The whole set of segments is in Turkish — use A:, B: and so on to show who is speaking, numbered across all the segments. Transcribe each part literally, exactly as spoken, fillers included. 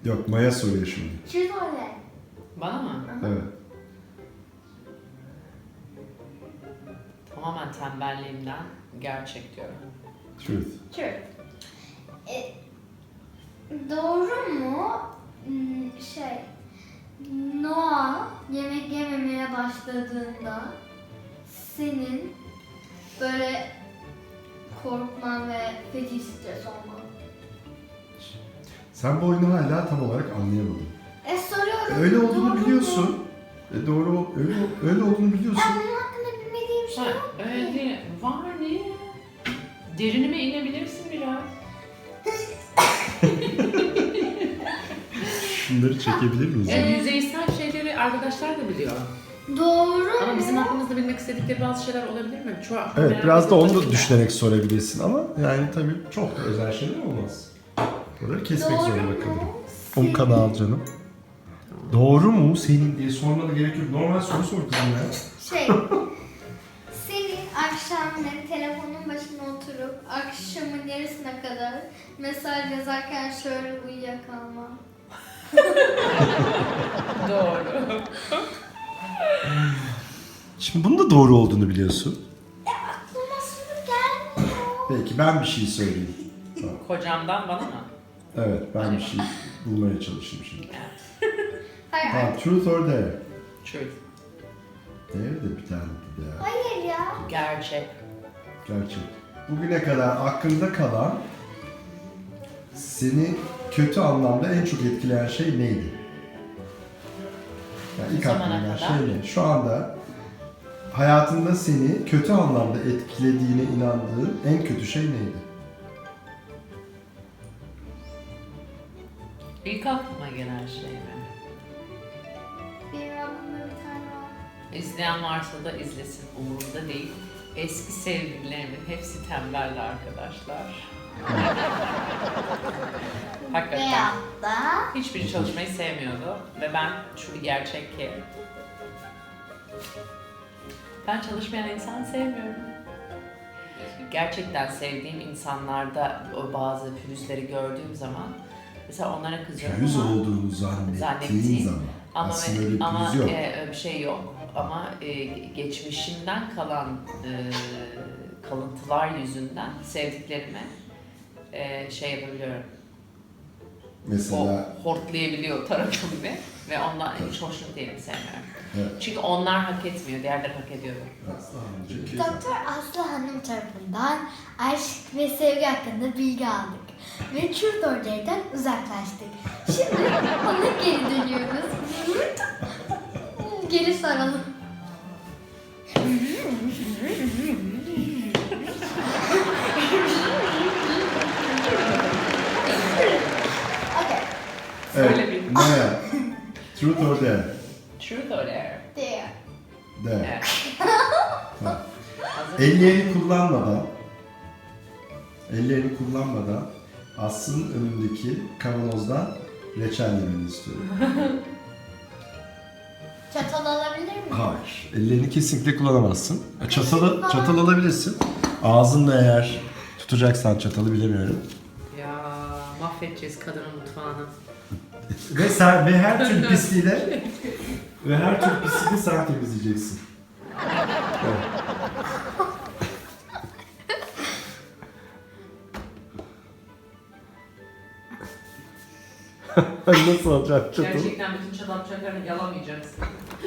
A: Yok, Maya soruyor şimdi.
B: Truth or dare?
C: Bana mı?
A: Evet.
C: Tamamen tembelliğimden gerçek diyorum.
A: Truth.
B: Truth. E, doğru mu? Hmm, Şey, Noah yemek yememeye başladığında senin böyle korkman ve feci stres olman.
A: Sen bu oyunu hala tam olarak anlayamadın.
B: E soruyorum.
A: Öyle
B: doğru
A: olduğunu
B: mu?
A: biliyorsun. E doğru, öyle, öyle olduğunu biliyorsun.
B: Ya bunun hakkında bilmediğim şey
C: Ha,
B: yok
C: öyle
B: ki.
C: değil. Var ne? Derinime inebilirsin biraz.
A: Şunları çekebilir miyiz?
C: Yani yüzeysel şeyleri arkadaşlar da biliyor.
B: Doğru
C: Ama
B: mu?
C: bizim aklımızda bilmek istedikleri bazı şeyler olabilir mi? Çoğu
A: Evet,
C: merak
A: biraz da onu
C: ediyorum.
A: da düşünerek sorabilirsin ama yani tabii çok da özel şeyler olmaz. Buraları kesmek
B: Doğru
A: zorunda
B: mu?
A: kalırım. on kanal canım. Doğru mu senin diye sormana gerek yok. Normal soru sor kızım ya.
B: Şey, senin akşamları telefonun başına oturup akşamın yarısına kadar mesaj yazarken şöyle uyuyakalman.
C: Doğru.
A: Şimdi bunun da doğru olduğunu biliyorsun.
B: Aklıma soru gelmiyor.
A: Peki ben bir şey söyleyeyim. Tamam.
C: Kocamdan bana mı?
A: Evet, ben bir şey bulmaya çalışayım şimdi.
B: Hayır,
A: Tamam, truth or dare?
C: Truth.
A: Dare de bir tane bir ya.
B: hayır ya.
C: Gerçek.
A: Gerçek. Bugüne kadar aklında kalan seni kötü anlamda en çok etkileyen şey neydi? Yani ilk
C: Bu zamana
A: aklına gelen
C: kadar.
A: şey ne? Şu anda hayatında seni kötü anlamda etkilediğine inandığın en kötü şey neydi?
C: İlk aklıma gelen şey mi?
B: Benim aklımda bir tane var.
C: İzleyen varsa da izlesin. Umurumda değil. Eski sevgililerimin hepsi tembeldi arkadaşlar. Hakikaten.
B: Veyahut da
C: Hiçbiri çalışmayı sevmiyordu ve ben şu bir gerçek ki ben çalışmayan insan sevmiyorum. Gerçekten sevdiğim insanlarda o bazı pürüzleri gördüğüm zaman mesela onlara kızıyorum
A: Pürüz
C: ama,
A: olduğunu zannettiğin
C: Zannettiğim
A: zaman
C: ama,
A: aslında öyle bir
C: ama
A: pürüz yok.
C: e, öyle bir şey yok. Ama e, geçmişimden kalan e, kalıntılar yüzünden sevdiklerime e, şey yapabiliyorum.
A: Mesela
C: O hortlayabiliyor tarafım gibi ve ondan hiç hoşnut değilim, sevmiyorum.
A: evet.
C: Çünkü onlar hak etmiyor, diğerleri hak ediyor.
A: Çünkü
B: Doktor Aslı Hanım tarafından aşk ve sevgi hakkında bilgi aldık. Ve Truth or Dare'den uzaklaştık. Şimdi ona geri dönüyoruz. Geri saralım. Okay.
C: Söyle
A: evet.
C: bir.
A: Maya, truth or dare?
C: Truth or dare?
B: There.
A: Dare.
C: Evet.
A: Ha.
C: Hazır.
A: Ellerini kullanmadan, ellerini kullanmadan Aslı'nın önündeki kavanozdan reçel yemeni istiyorum.
B: Çatal alabilir miyim?
A: Hayır. Ellerini kesinlikle kullanamazsın. Çatalı, çatal alabilirsin. Ağzınla eğer tutacaksan çatalı bilemiyorum.
C: Ya mahvedeceğiz kadının mutfağını.
A: Ve sen ve her türlü pisliği de ve her türlü pisliği de sen temizleyeceksin. Evet. Nasıl olacak çatalı?
C: Gerçekten bütün çatal bıçaklarını yalamayacaksın.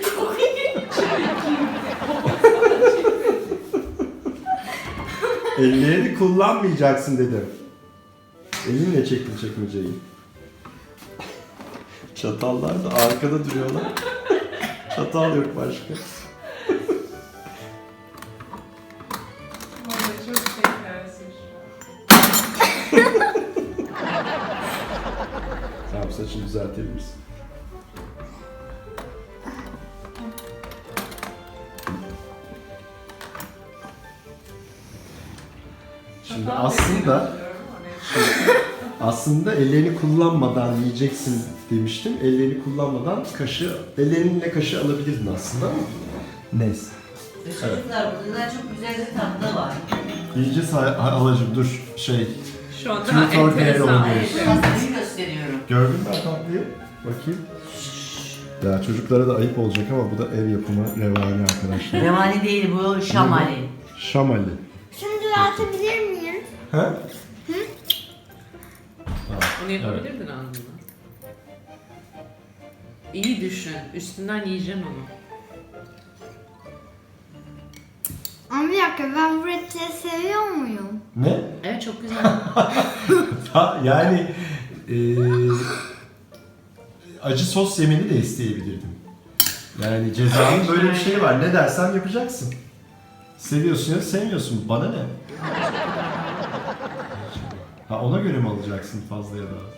A: Ellerini kullanmayacaksın dedim. Elinle çektin çekmeceyi. Çatallar da arkada duruyorlar. Çatal yok başka.
C: Vallahi çok şekersin şu an.
A: Tamam, saçını düzeltebilirsin. Şimdi
C: Çatal
A: aslında
C: bekliyorum ama neyse.
A: aslında ellerini kullanmadan yiyeceksin demiştim. Ellerini kullanmadan kaşığı, ellerinle kaşığı alabilirdin aslında ama neyse.
D: Çocuklar burada çok güzel bir tatlı var.
A: Yiyeceğiz ha- halacığım dur şey.
C: Şu anda
A: Truth or dare
C: enteresan.
A: oynuyoruz.
D: Biraz büyük gösteriyorum.
A: Gördün mü tatlıyı? Bakayım. Ya çocuklara da ayıp olacak ama bu da ev yapımı revani arkadaşlar.
D: Revani değil bu, şamali.
A: Şamali.
B: Şunu düzeltebilir miyim?
A: Ha?
C: Onu yapabilirdin aslında. İyi düşün. Üstünden yiyeceksin onu.
B: Ama bir dakika, ben bu reçeli seviyor muyum?
A: Ne?
C: Evet, çok güzel.
A: Ha, yani eee, acı sos yemeni de isteyebilirdim. Yani cezanın böyle bir şeyi var. Ne dersem yapacaksın. Seviyorsun ya da sevmiyorsun. Bana ne? Ha, ona göre mi alacaksın fazla ya da az?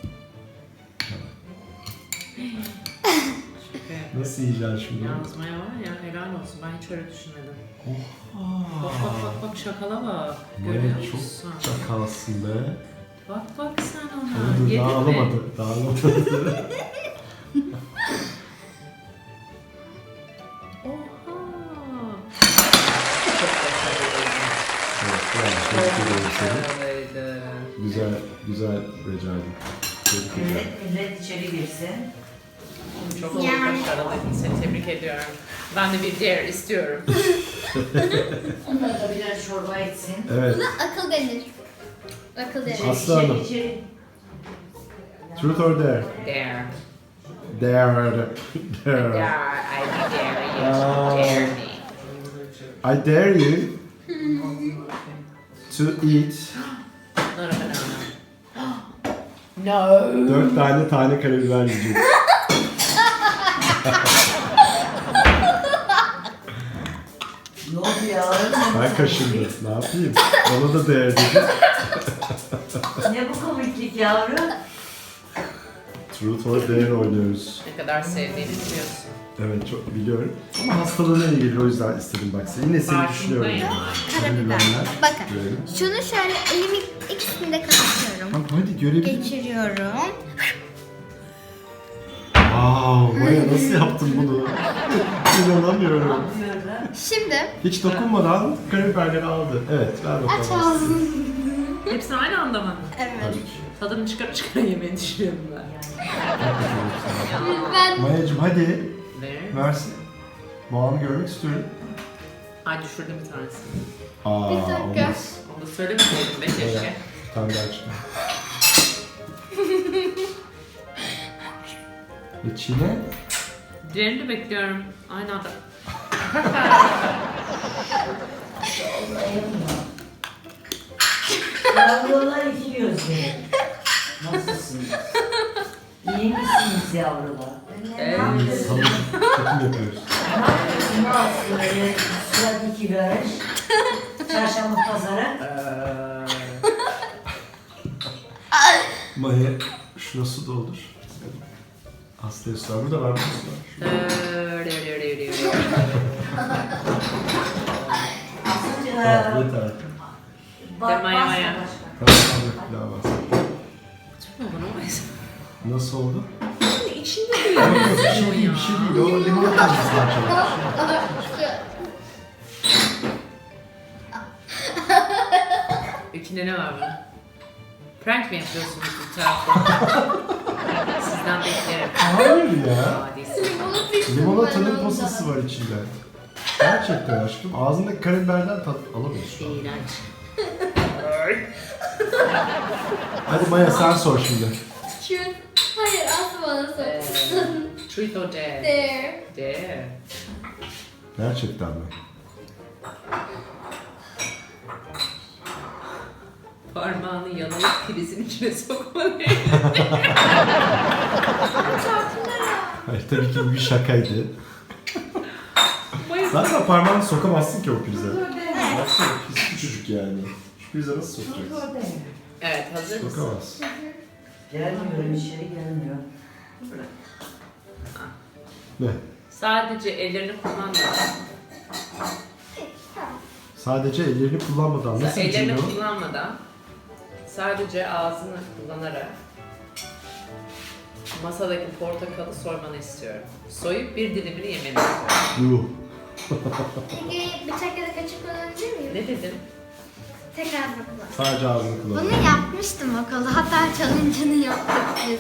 A: Nasıl yiyeceksin şimdi?
C: Yalnız Maya var ya, helal olsun. Ben hiç öyle düşünmedim. Bak bak bak bak, şakala bak. Görüyor
A: Maya
C: musun?
A: çok çakalsın be.
C: Bak bak sen
A: Dur,
C: ona.
A: dur,
C: Yedin
A: daha
C: mi?
A: alamadı. Daha alamadı.
C: Oha.
A: Evet, bravo. Tebrik ediyorum seni.
C: Başarılıydı.
A: Güzel, güzel becerdin. Tebrik ederim.
D: Millet, millet içeri girsin.
C: Çok
B: Yani.
C: başarılıydın. Seni tebrik ediyorum. Ben de bir diğer istiyorum.
D: Onlar da birer çorba içsin.
A: Evet,
B: Buna akıl denir. Akıl denir.
A: Aslı Hanım.
D: içeri.
A: Truth or dare?
C: Dare.
A: Dare.
C: Dare.
A: Dare.
C: I dare you to
A: Aa.
C: dare me.
A: I dare you to eat
C: Not a banana. No.
A: dört tane tane karabiber yiyeceksin.
D: Ne oldu ya?
A: Ben kaşındım. Ne yapayım? Ona da dare dedim.
D: Ne bu komiklik yavrum?
A: Truth or dare oynuyoruz.
C: Ne kadar sevdiğini biliyorsun.
A: Evet, çok biliyorum. Ama hastalığına iyi gelir, o yüzden istedim bak. Yine seni düşünüyorum.
C: Farkındayım.
B: Karabiber. Bakın.
A: Görelim.
B: Şunu şöyle elimi ikisini de kapatıyorum.
A: Tamam, hadi görebilirim.
B: Geçiriyorum.
A: Wow, Maya nasıl yaptın bunu? İnanamıyorum.
D: Yapıyorum.
B: Şimdi
A: Hiç dokunmadan karabiberleri aldı. Evet, ver bakalım.
B: aç ağzını.
C: Hepsini aynı anda mı?
B: Evet.
A: Tabii ki.
C: Tadını çıkar çıkar yemeği düşünüyorum ben.
A: Bak bakalım sana.
B: Ben
A: Mayacım hadi,
C: Ve
A: versin. Boğanı görmek istiyorum.
C: ay düşürdüm bir tanesini.
A: Aa,
B: Bir dakika.
A: olmaz.
C: Onu da söylemeseydim be keşke.
A: Evet. Bir tane daha çıkar. Ve çiğne.
C: Diğerini bekliyorum. Aynı anda.
D: Yavrular iki gözlü. Nasılsınız? İyi misiniz yavrular?
C: Evet.
A: Salı çekim yapıyoruz.
D: Ne yapıyorsun Aslı? Böyle surat iki karış. Çarşamba pazarı.
A: Maya şuna su doldur. Hastaya su var. Burada var mı su var?
D: Aslıcığım.
A: Tamam, yeter.
D: Bak,
C: Maya,
D: basma
C: Maya.
D: başka.
A: Tamam, tamam, bir daha bas. Nasıl oldu?
C: İçinde değil.
A: Yok yok, bir şey değil, bir şey değil. O limonata mısın çalar?
C: İçinde ne var bunun? Prank mi yapıyorsunuz bir taraftan? Sizden beklerim.
A: Hayır ya.
C: Hadisi.
A: Limonatanın posası var içinde. Gerçekten aşkım. Ağzındaki karabiberden tat alamıyorsun.
C: İğrenç.
A: Hadi Maya sen sor şimdi.
B: Şu- Hayır, asla bana
C: Ee,
B: sorsun.
C: Truth or dare?
B: There.
C: Dare.
A: Gerçekten mi?
C: Parmağını yalayıp prizin içine sokmalı.
A: Hayır, tabii ki bu bir şakaydı. Zaten parmağını sokamazsın ki o prize. Baksana, pis küçücük yani. Şu prize nasıl sokacaksın?
C: Evet, hazır mısın?
A: Sokamaz.
D: Gelmiyorum, içeri gelmiyor.
A: Ne?
C: Sadece ellerini kullanmadan,
A: Sadece ellerini kullanmadan nasıl
C: ellerini
A: içiliyor?
C: kullanmadan, sadece ağzını kullanarak masadaki portakalı soymanı istiyorum. Soyup bir dilimini yemeni istiyorum.
A: Yuh.
B: Peki bıçak ya da kaşık kullanabilir miyim?
C: Ne dedim?
B: Tekrar bakalım.
A: Sadece ağzını kullan.
B: Bunu yapmıştım okulda. Hatta challenge'ını yaptık biz.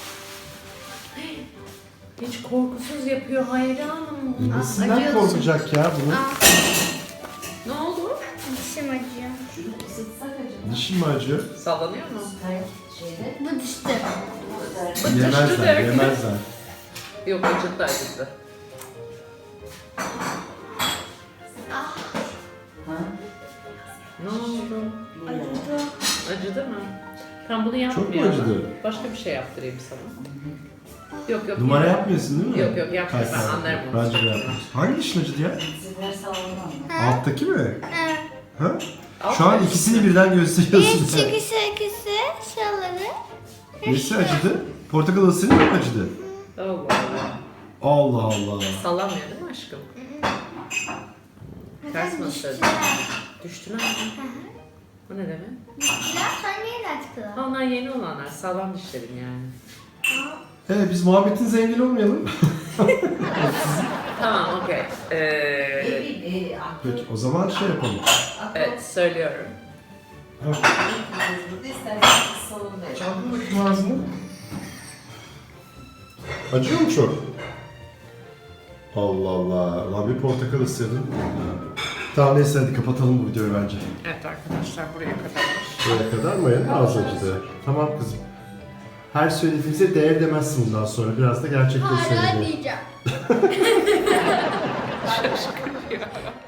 C: Hiç korkusuz yapıyor hayranım.
A: E, Nesinden
B: acıyorsun.
A: korkacak ya bunu?
B: Aa,
C: Ne oldu?
B: dişim acıyor.
D: Şunu ısıtsak acaba.
A: Dişin mi acıyor?
C: Sallanıyor mu?
D: Hayır, şeyde.
B: Bu düştü.
A: Yemezler, yemezler.
C: Yok, acıttı acıttı.
B: Ah,
D: Ha?
C: Ne oldu?
B: acıdı.
C: Acıdı mı? Tam bunu
A: Çok mu
C: yapmıyorum.
A: acıdı?
C: Başka bir şey yaptırayım sana. Yok yok.
A: Numara
C: yok.
A: yapmıyorsun değil mi?
C: Yok, yok, yapmıyorum. Ben
A: Hayır,
C: anlarım onu.
A: Bence de yapmıyorsun. Hangi dişin acıdı ya?
D: Sizler sağlamam.
A: Alttaki mi?
B: Evet.
A: Ha?
C: Alt
A: Şu an
C: tarafı.
A: ikisini birden gösteriyorsun.
B: Bir çıkışı ikisi şuraları.
A: Nesi acıdı? Portakal ısırınca mı acıdı?
C: Allah Allah.
A: Allah Allah.
C: Sallamıyor değil mi aşkım? Ters mi
B: Düştüler.
C: ısırdın? Düştüler mi? O ne demek?
B: Düştüler sonra yeniden çıktılar.
C: Ha, onlar yeni olanlar. Sağlam dişlerim yani.
A: Evet biz muhabbetinize engel olmayalım.
C: Tamam, okey. Ee,
D: Evi, e, aklı.
A: Peki o zaman şey yapalım.
C: evet, söylüyorum.
D: Burada isterseniz salonda yapın.
A: Çaldın bakayım ağzını. Acıyor mu çok? Allah Allah. Lan bir portakal ısırdın. Tamam neyse hadi kapatalım bu videoyu bence.
C: Evet arkadaşlar, buraya kadarmış.
A: Buraya kadar mı ya? Az acıdı. Tamam kızım. Her söylediğimize değer demezsin bundan sonra. Biraz da gerçekleri
B: Hala
A: söyleyeceğim.
B: diyeceğim.